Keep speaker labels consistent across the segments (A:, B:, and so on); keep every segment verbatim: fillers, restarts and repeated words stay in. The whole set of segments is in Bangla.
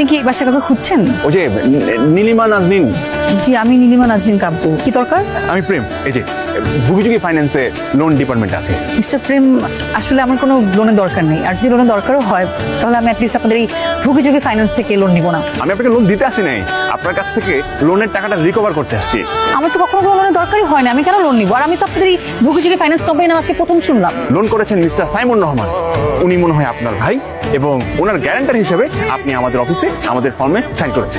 A: কি বাসায় কাউকে খুঁজছেন?
B: ওই যে নীলিমা নাজনীন।
A: জি, আমি নীলিমা নাজনীন কাব্য। কি দরকার?
B: আমি প্রেম, এই যে ভুগিচুগি ফাইন্যান্সে লোন ডিপার্টমেন্ট আছে।
A: মিস্টার প্রেম, আসলে আমার কোনো লোনের দরকার নেই, আর যদি লোনের দরকারও হয় তাহলে আমি অ্যাটলিস্ট আপনাদের এই ভুগিচুগি ফাইন্যান্স থেকে লোন নিব না।
B: আমি আপনাকে লোন দিতে আসি নাই, আপনার কাছ থেকে লোনের টাকাটা রিকভার করতে আসছি।
A: আমার তো কখনো কোনো লোনের দরকারই হয় না, আমি কেন লোন নিব? আর আমি তো আপনাদের এই ভুগিচুগি ফাইন্যান্স কোম্পানি নাম আজকে প্রথম শুনলাম।
B: লোন করেছেন মিস্টার সাইমন রহমান, উনি মনে হয় আপনার ভাই, এবং ওনার গ্যারান্টার হিসেবে আপনি আমাদের অফিসে আমাদের ফর্মে সাইন করেছেন।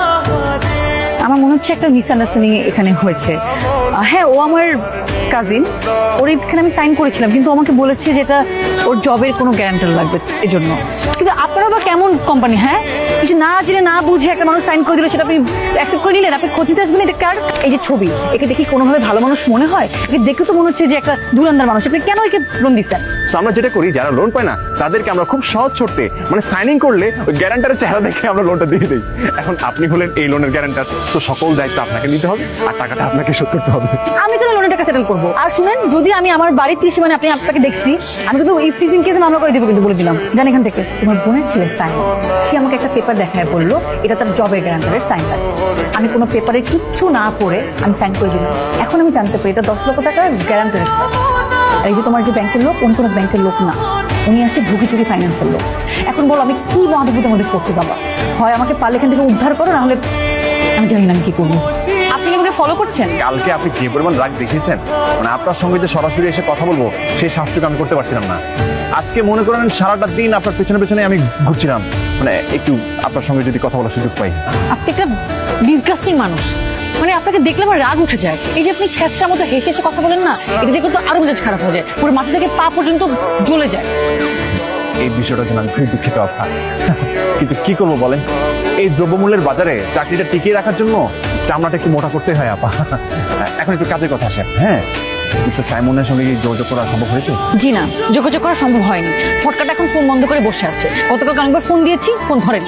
A: আমার মনে হচ্ছে একটা মিসআন্ডারস্ট্যান্ডিং এখানে হয়েছে। হ্যাঁ, ও আমার কাজিন, ওর এখানে আমি সাইন করেছিলাম, কিন্তু আমাকে বলেছে যে এটা ওর জবের কোনো গ্যারান্টার লাগবে এজন্য। কিন্তু আপনারা বা কেমন কোম্পানি? হ্যাঁ, কিছু না জেনে না বুঝে একটা মানুষ সাইন করে দিল, সেটা আপনি অ্যাকসেপ্ট করে নিলেন? আপনি খোঁজতে আসবেন এটা কার? এই যে ছবি, একে দেখি কোনোভাবে ভালো মানুষ মনে হয়? একে দেখে তো মনে হচ্ছে যে একটা দুরান্দার মানুষ। আপনি কেন একে লোন দিচ্ছেন?
B: আমরা যেটা করি, যারা লোন পায় না তাদেরকে আমরা খুব সহজ শর্তে, মানে সাইনিং করলে ওই গ্যারান্টারের চেহারা দেখে আমরা লোনটা দিয়ে দিই। এখন আপনি হলেন এই লোনের গ্যারান্টার, তো সকল দায়িত্ব আপনাকে নিতে হবে আর টাকাটা আপনাকে শোধ করতে হবে।
A: আমি কেন লোনের টাকা সেটেল করবো? আর শুনেন, যদি আমি আমার বাড়ির ত্রিশ মানে আপনি আপনাকে দেখছি, আমি কিন্তু ইফতিজিং কেসে মামলা করে দিব, কিন্তু বলে দিলাম। জান এখান থেকে তোমার বোনের ছেলে সাইন, সে আমাকে একটা পেপার দেখায় বললো এটা তার জবের গ্যারান্টারের সাইন। আমি কোনো পেপারে কিচ্ছু না পড়ে আমি সাইন করে দিলাম। এখন আমি জানতে পারি এটা দশ লক্ষ টাকার গ্যারান্টারের। আর এই যে তোমার যে ব্যাংকের লোক, অন্য কোনো ব্যাংকের লোক না, উনি আসছে ভুগিচুগি ফাইন্যান্সের লোক। এখন বলো আমি কি মহাবিভূতের মধ্যে করতে পারবো? হয় আমাকে পারলে এখান থেকে উদ্ধার করো, নাহলে আমি জানি না আমি কি করবো। আপনি কি আমাকে ফলো করছেন?
B: কালকে আপনি যে পরিমাণ রাগ দেখিয়েছেন, মানে আপনার সঙ্গে যে সরাসরি এসে কথা বলবো সেই সাহসটুকু আমি করতে পারছিলাম না। আজকে মনে করেন সারাটা দিন আপনার পেছনে পেছনে আমি ঘুরছিলাম, মানে একটু আপনার সঙ্গে যদি কথা বলার সুযোগ পাই।
A: আপনি একটা ডিসগাস্টিং মানুষ, মানে আপনাকে দেখলে আমার রাগ উঠে যায়। এই যে আপনি ছেঁচড়ার মতো হেসে হেসে কথা বলেন না, এটা দেখে তো আরো মেজাজ খারাপ হয়ে যায়, পুরো মাথা থেকে পা পর্যন্ত জ্বলে যায়।
B: এই বিষয়টার জন্য আমি খুব দুঃখিত আপা, কিন্তু কি করবো বলেন, এই দ্রব্যমূল্যের বাজারে চাকরিটা টিকিয়ে রাখার জন্য চামড়াটা একটু মোটা করতে হয় আপা। এখন একটু কাজের কথা আসে। হ্যাঁ, মিস্টার সাইমনের সঙ্গে কি যোগাযোগ করা সম্ভব হয়েছে?
A: জি না, যোগাযোগ করা সম্ভব হয়নি। ফটকাটা এখন ফোন বন্ধ করে বসে আছে। গতকাল অনেকবার ফোন দিয়েছি, ফোন ধরেন।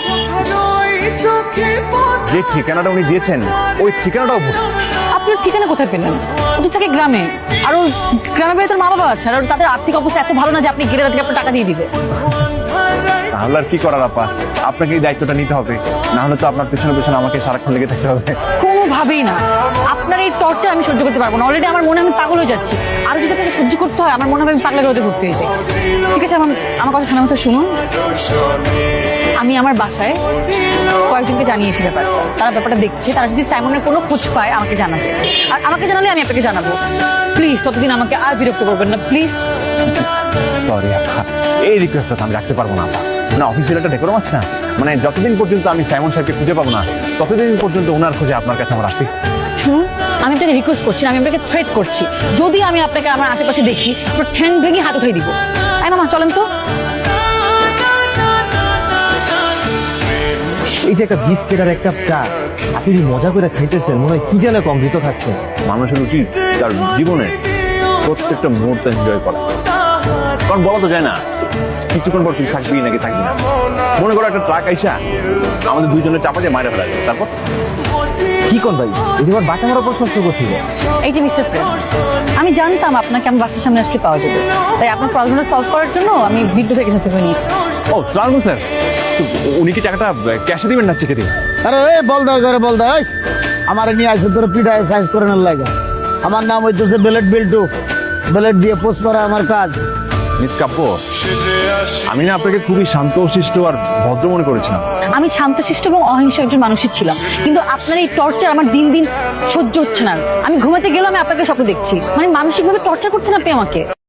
B: যে ঠিকানাটা উনি দিয়েছেন ওই ঠিকানাটাও ভুল।
A: আপনার ঠিকানা কোথায় পেলেন? ওদের থাকে গ্রামে, আর ওর গ্রামের বাড়িতে মা বাবা আছে, আর তাদের আর্থিক অবস্থা এত ভালো না যে আপনি গেলে তাদেরকে আপনার টাকা দিয়ে দিবে।
B: তাহলে আর কি করার আপা, আপনাকে এই দায়িত্বটা নিতে হবে, না হলে তো আপনার পেছনে পেছনে আমাকে সারাক্ষণ লেগে থাকতে হবে।
A: কোনোভাবেই না, আপনার এই টর্চার আমি সহ্য করতে পারবো না। অলরেডি আমার মনে আমি পাগল হয়ে যাচ্ছি, আর যদি আপনাকে সহ্য করতে হয় আমার মনে হয় আমি পাগলের মধ্যে ভর্তি হয়ে যাই। ঠিক আছে, আমার আমার কথা শোনা মতো শুনুন। আমি আমার বাসায় কয়েকজনকে জানিয়েছি ব্যাপারটা, তারা ব্যাপারটা দেখছে। তারা যদি সাইমনের কোনো খোঁজ পায় আমাকে জানাবে, আর আমাকে জানালে আমি আপনাকে জানাবো। প্লিজ ততদিন আমাকে আর বিরক্ত করবেন না, প্লিজ।
B: সরি আপা, এই রিকোয়েস্টটা আমি রাখতে পারবো না আপা। না, অফিসের একটা ডেকোরাম আছে না, মানে যতদিন পর্যন্ত আমি সাইমন সাহেবকে খুঁজে পাবো না ততদিন পর্যন্ত ওনার খোঁজে আপনার কাছে আমার আসতে।
A: শুনুন, আমি আপনাকে রিকোয়েস্ট করছি না, আমি আপনাকে থ্রেট করছি। যদি আমি আপনাকে আমার আশেপাশে দেখি, আপনার ঠ্যাং ভেঙে হাত উঠিয়ে দিব। আই মামা চলেন তো।
C: এই যে একটা বিস্কিট আর একটা চা আপনি মজা করে খাইতেছেন, মনে হয় কি যেন কম দিত থাকছে।
B: মানুষের উচিত তার জীবনের প্রত্যেকটা মুহূর্ত এনজয় করা, কারণ বলা তো যায় না কিছুক্ষণ পর তুই থাকবি নাকি থাকবি না। মনে করো একটা ট্রাক আইসা আমাদের দুইজনের চাপা দিয়ে মাইরে ফেলা, তারপর
C: কি কোন ভাই, এই যে আমার বাটা মারা প্রশ্ন করছিল।
A: এই যে মিস্টার প্রেম, আমি জানতাম আপনাকে আমার বাসার সামনে আসলে পাওয়া যাবে, তাই আপনার প্রবলেমটা সলভ করার জন্য আমি বিদ্যুৎ থেকে সাথে করে নিয়েছি।
B: ও সালাম স্যার, উনি কি টাকাটা ক্যাশে দিবেন না চেকে দিবেন?
C: আরে এই বলদার ঘরে বলদা, আমার নিয়ে আসে তোর পিঠায় সাইজ করে নেওয়ার লাগে। আমার নাম হইতেছে বেলেট বিল্টু, বেলেট দিয়ে পোস্ট করা আমার কাজ।
B: মিস কাব্য, আমি না আপনাকে খুবই শান্তশিষ্ট আর ভদ্র মনে করেছিলাম।
A: আমি শান্তশিষ্ট এবং অহিংস একজন মানুষই ছিলাম, কিন্তু আপনার এই টর্চার আমার দিন দিন সহ্য হচ্ছে না। আমি ঘুমাতে গেলাম, আমি আপনাকে স্বপ্ন দেখছি, মানে মানসিকভাবে টর্চার করছেন আপনি আমাকে।